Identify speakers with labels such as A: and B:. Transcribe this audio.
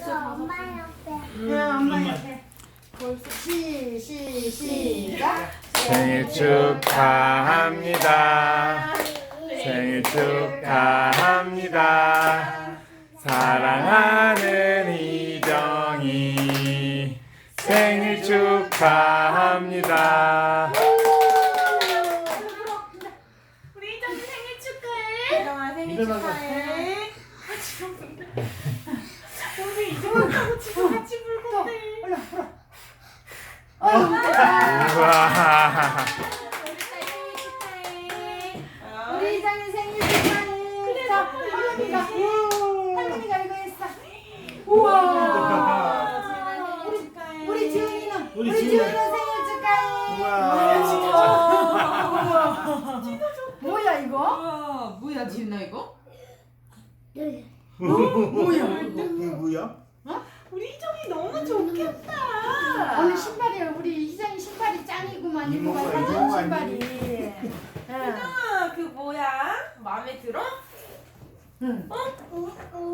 A: 엄마 옆에.
B: 엄마 옆에. 벌써 시작.
C: 생일 축하합니다. 생일 축하합니다. 사랑하는 이정이 생일 축하합니다.
D: 우리 이정이 생일 축하해.
B: 이정아 생일 축하해.
D: 우리 이정이하고 지금 같이 불 건데.
B: 올라 불어.
C: 우와.
B: 우리 이정이 생일 축하해. 자, 할머니가 이거 했어. 우와. 우리 지훈이는 생일 축하해.
C: 우와.
B: 뭐야 이거?
D: 뭐야 지은아 이거?
B: 뭐야?
C: 누구야?
D: 우리 이정이 너무 좋겠다.
B: 오늘 신발이야. 우리 희정이 신발이 짱이구만. 이거 봐.
C: 이모가
B: 사진
C: 이거
B: 신발이.
D: 이정아 그 뭐야? 마음에 들어?
B: 응.